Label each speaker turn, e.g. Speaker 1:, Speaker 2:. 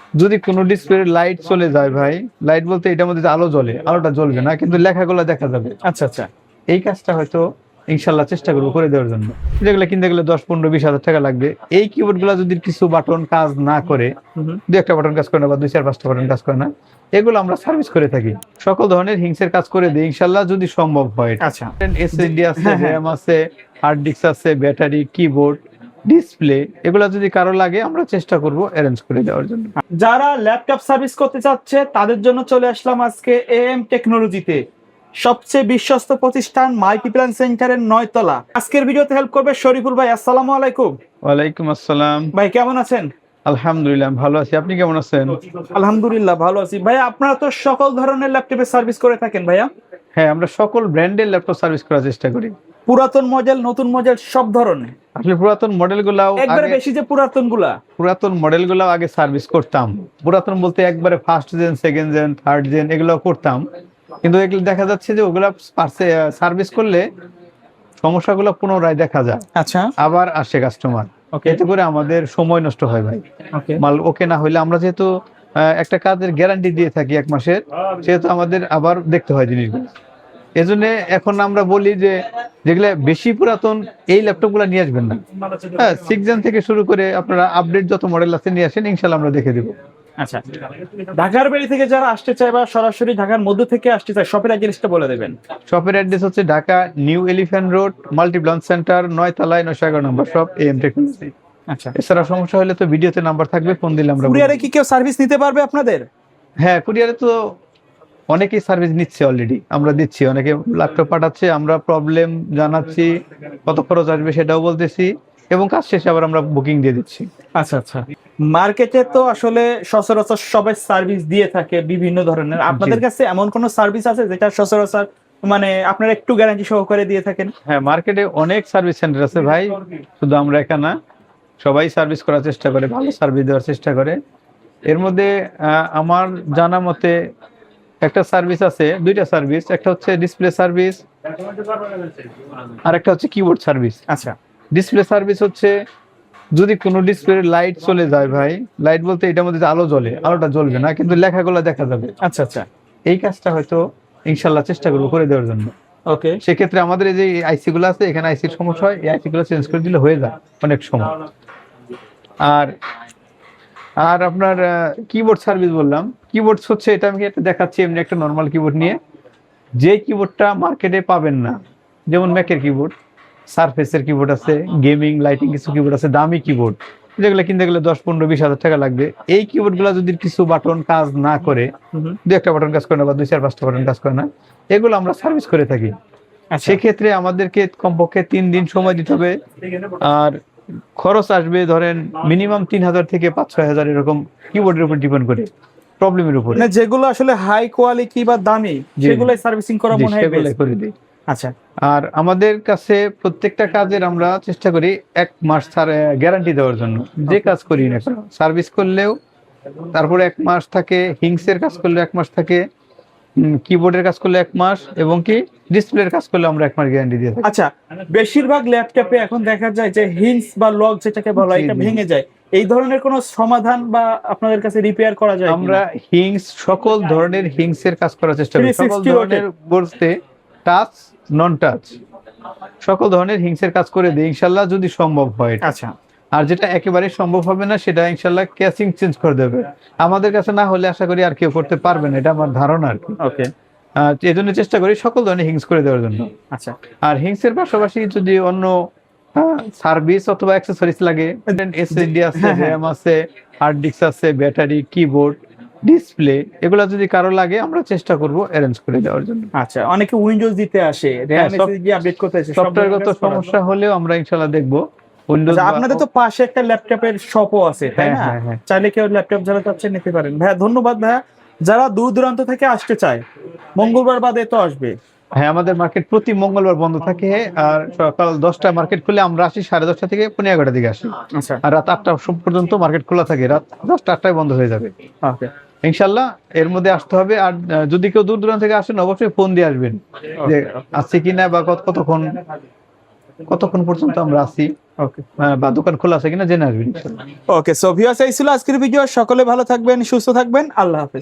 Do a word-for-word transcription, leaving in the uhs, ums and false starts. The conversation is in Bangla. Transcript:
Speaker 1: যদি কোনো ডিসপ্লে লাইট চলে যায় ভাই, লাইট বলতে এটার মধ্যে যে আলো জ্বলে, আলোটা জ্বলবে না কিন্তু লেখাগুলো দেখা যাবে।
Speaker 2: আচ্ছা আচ্ছা।
Speaker 1: এই কাজটা হয়তো ইনশাল্লাহ চেষ্টা করবো করে দেওয়ার জন্য। যেগুলো কিনতে গেলে দশ পনেরো বিশ হাজার টাকা লাগবে। এই কিবোর্ড গুলা যদি কিছু বাটন কাজ না করে, দু একটা বাটন কাজ করে না বা দুই চার পাঁচটা বাটন কাজ করে না, এগুলো আমরা সার্ভিস করে থাকি। সকল ধরনের হিংসের কাজ করে দিই ইনশাল্লাহ যদি সম্ভব হয়।
Speaker 2: আচ্ছা।
Speaker 1: এসএসডি আছে, র্যাম আছে, হার্ড ডিস্ক আছে, ব্যাটারি, কিবোর্ড, ডিসপ্লে, এগুলো যদি কারো লাগে আমরা চেষ্টা করব অ্যারেঞ্জ করে দেওয়ার জন্য।
Speaker 2: যারা ল্যাপটপ সার্ভিস করতে চাচ্ছে তাদের জন্য চলে আসলাম আজকে এএম টেকনোলজিতে, সবচেয়ে বিশ্বস্ত প্রতিষ্ঠান মাল্টিপ্ল্যান সেন্টারের নয় তলা। আজকের ভিডিওতে হেল্প করবে শরীফুল ভাই। আসসালামু আলাইকুম।
Speaker 1: ওয়ালাইকুম আসসালাম।
Speaker 2: ভাই কেমন আছেন?
Speaker 1: আলহামদুলিল্লাহ ভালো আছি, আপনি কেমন আছেন?
Speaker 2: আলহামদুলিল্লাহ ভালো আছি। ভাই আপনারা তো সকল ধরনের ল্যাপটপের সার্ভিস করে থাকেন ভাইয়া?
Speaker 1: হ্যাঁ, আমরা সকল ব্র্যান্ডের ল্যাপটপ সার্ভিস করার চেষ্টা করি।
Speaker 2: পুরাতন মডেল, নতুন মডেল, সব ধরনের।
Speaker 1: আসলে পুরাতন মডেল গুলাও
Speaker 2: একবারে বেশি যে পুরাতন গুলা
Speaker 1: পুরাতন মডেল গুলাও আগে সার্ভিস করতাম। পুরাতন বলতে একবারে first gen, second gen, third gen এগুলো করতাম, কিন্তু এগুলো দেখা যাচ্ছে যে ওগুলা সার্ভিস করলে সমস্যাগুলো পুনরায় দেখা যায়।
Speaker 2: আচ্ছা।
Speaker 1: আবার আসে কাস্টমার, এতে করে আমাদের সময় নষ্ট হয় ভাই। মাল ওকে না হইলে আমরা যেহেতু একটা কাজের গ্যারান্টি দিয়ে থাকি এক মাসের, সেহেতু আমাদের আবার দেখতে হয় জিনিসগুলো। এজন্য এখন আমরা বলি যে যেগুলো বেশি পুরাতন এই ল্যাপটপ গুলা নিয়ে আসবেন না। হ্যাঁ, সিক্স জেন থেকে শুরু করে আপনারা আপডেট যত মডেল আছে নিয়ে আসেন, ইনশাল্লাহ আমরা দেখে দেবো।
Speaker 2: আচ্ছা, ঢাকার বাড়ি থেকে যারা আসতে চায় বা সরাসরি ঢাকার মধ্য থেকে আসতে চায়, শপের অ্যাড্রেসটা বলে দেবেন।
Speaker 1: শপের অ্যাড্রেস হচ্ছে Dhaka new elephant road, Multiplan center, নয় তলায়, নয়শো এগারো নম্বর শপ, এএম টেকনোলজি।
Speaker 2: আচ্ছা,
Speaker 1: এছাড়া সমস্যা হলে তো ভিডিওতে নাম্বার থাকবে, ফোন দিলে আমরা।
Speaker 2: কুরিয়ারে কি কেউ সার্ভিস নিতে পারবে আপনাদের?
Speaker 1: হ্যাঁ, কুরিয়ারে তো অনেকেই সার্ভিস নিচ্ছে, অলরেডি আমরা দিচ্ছি, অনেকে ল্যাপটপ পাঠাচ্ছে, আমরা প্রবলেম জানাচ্ছি, কত খরচ আসবে সেটাও বলতেছি, এবং কাজ শেষে আবার আমরা বুকিং দিয়ে দিচ্ছি।
Speaker 2: আচ্ছা আচ্ছা। মার্কেটে তো আসলে সচরাচর সবাই সার্ভিস দিয়ে থাকে বিভিন্ন ধরনের, আপনাদের কাছে এমন কোন সার্ভিস আছে যেটা সচরাচর মানে আপনারা একটু গ্যারান্টি সহকারে দিয়ে থাকেন?
Speaker 1: হ্যাঁ, মার্কেটে অনেক সার্ভিস সেন্টার আছে ভাই, শুধু আমরা একা না, সবাই সার্ভিস করার চেষ্টা করে, ভালো সার্ভিস দেওয়ার চেষ্টা করে। এর মধ্যে আমার জানা মতে একটা সার্ভিস আছে, দুইটা সার্ভিস, একটা হচ্ছে ডিসপ্লে সার্ভিস আর একটা হচ্ছে কিবোর্ড সার্ভিস।
Speaker 2: আচ্ছা।
Speaker 1: ডিসপ্লে সার্ভিস হচ্ছে যদি কোনো ডিসপ্লে লাইট চলে যায় ভাই, লাইট বলতে এটার মধ্যে যে আলো জ্বলে, আলোটা জ্বলবে না কিন্তু লেখাগুলো দেখা যাবে।
Speaker 2: আচ্ছা আচ্ছা।
Speaker 1: এই কাজটা হয়তো ইনশাল্লাহ চেষ্টা করবো করে দেওয়ার জন্য।
Speaker 2: ওকে।
Speaker 1: সেক্ষেত্রে আমাদের এই যে আইসি গুলো আছে, এখানে আইসির সমস্যা হয়, এই আইসি গুলো চেঞ্জ করে দিলে হয়ে যায় অনেক সময়। আর আর আপনার কিবোর্ড সার্ভিস বললাম, কিবোর্ড হচ্ছে এটা আমি একটা দেখাচ্ছি, এমনি একটা নর্মাল কিবোর্ড নিয়ে, যে কিবোর্ডটা মার্কেটে পাবেন না, যেমন ম্যাকের কিবোর্ড, সারফেসের কিবোর্ড আছে, গেমিং লাইটিং কিছু কিবোর্ড আছে, দামি কিবোর্ড, যেগুলো কিনতে গেলে দশ পনেরো বিশ হাজার টাকা লাগবে। এই কিবোর্ড গুলা যদি কিছু বাটন কাজ না করে, দু একটা বাটন কাজ করে না বা দুই চার পাঁচটা বাটন কাজ করে না, এগুলো আমরা সার্ভিস করে থাকি। সেক্ষেত্রে আমাদেরকে কমপক্ষে তিন দিন সময় দিতে হবে, আর খরচ আসবে ধরেন মিনিমাম তিন হাজার থেকে পাঁচ ছয় হাজার, এরকম কিবোর্ডের উপর ডিপেন্ড করে, প্রবলেমের উপর।
Speaker 2: মানে যেগুলো আসলে হাই কোয়ালিটি বা দামি সেগুলাই সার্ভিসিং করা মনে হয় বেস্ট
Speaker 1: করে দিই।
Speaker 2: আচ্ছা।
Speaker 1: আর আমাদের কাছে প্রত্যেকটা কাজের আমরা চেষ্টা করি এক মাস গ্যারান্টি দেওয়ার জন্য, যে কাজ করি না সার্ভিস করলেও তারপরে এক মাস থাকে, হিংসের কাজ করলে এক মাস থাকে, কিবোর্ডের কাজ করলে এক মাস, এবং কি ডিসপ্লের কাজ করলে আমরা এক মাস গ্যারান্টি দিয়ে থাকি।
Speaker 2: আচ্ছা, বেশিরভাগ ল্যাপটপে এখন দেখা যায় যে হিংস বা লক যেটাকে বলা হয় এটা ভেঙে যায়, এই ধরনের কোনো সমাধান বা আপনাদের কাছে রিপেয়ার করা যায়?
Speaker 1: আমরা হিংস সকল ধরনের হিংসের কাজ করার চেষ্টা করি, সকল ধরনের বলতে টাচ নন টাচ সকল ধরনের হিংসের কাজ করে দিই ইনশাল্লাহ যদি সম্ভব হয়।
Speaker 2: আচ্ছা।
Speaker 1: আর যেটা একেবারে সম্ভব হবে না সেটা ইনশাল্লাহ ক্যাসিং চেঞ্জ করে দেবে। আমাদের কাছে না হলে আশা করি আর কেউ করতে পারবে না, এটা আমার ধারণা আর কি।
Speaker 2: ওকে।
Speaker 1: এই জন্য চেষ্টা করি সকল ধরনের হিংস করে দেওয়ার জন্য।
Speaker 2: আচ্ছা।
Speaker 1: আর হিংসের পাশাপাশি যদি অন্য সার্ভিস অথবা অ্যাক্সেসরিজ লাগে, এসএসডি আছে, র্যাম আছে, হার্ড ডিস্ক আছে, ব্যাটারি, কিবোর্ড, ডিসপ্লে, এগুলা যদি কারো লাগে আমরা চেষ্টা করব অ্যারেঞ্জ করে দেওয়ার জন্য।
Speaker 2: আচ্ছা, অনেকে উইন্ডোজ দিতে আসে, র্যাম এসএসডি আপডেট করতে আসে,
Speaker 1: সফটওয়্যারগত সমস্যা হলেও আমরা ইনশাআল্লাহ দেখব।
Speaker 2: আচ্ছা, আপনাদের তো পাশে একটা ল্যাপটপের শপও আছে তাই না? চাইলে কেউ ল্যাপটপ যারা চাচ্ছে নিতে পারেন। ভাইয়া ধন্যবাদ। ভাইয়া যারা দূর দূরান্ত থেকে আসতে চায়, মঙ্গলবার বাদে তো আসবে?
Speaker 1: হ্যাঁ, আমাদের মার্কেট প্রতি মঙ্গলবার বন্ধ থাকে, আর সকাল দশটায় মার্কেট খুলে আমরা আসি, সাড়ে দশটা থেকে পনেরো এগারোটার দিকে আসি।
Speaker 2: আচ্ছা।
Speaker 1: আর রাত আটটা পর্যন্ত মার্কেট খোলা থাকে, রাত দশটা আটটায় বন্ধ হয়ে যাবে।
Speaker 2: ওকে,
Speaker 1: ইনশাল্লাহ এর মধ্যে আসতে হবে। আর যদি কেউ দূর দূরান্ত থেকে আসেন অবশ্যই ফোন দিয়ে আসবেন যে আসছে কিনা বা কতক্ষণ কতক্ষণ পর্যন্ত আমরা আছি
Speaker 2: ওকে
Speaker 1: আহ, বা দোকান খোলা আছে কিনা জেনে আসবেন ইনশাল্লাহ।
Speaker 2: ওকে সো ভিউয়ার্স এই ছিল আজকের ভিডিও। সকলে ভালো থাকবেন, সুস্থ থাকবেন, আল্লাহ হাফেজ।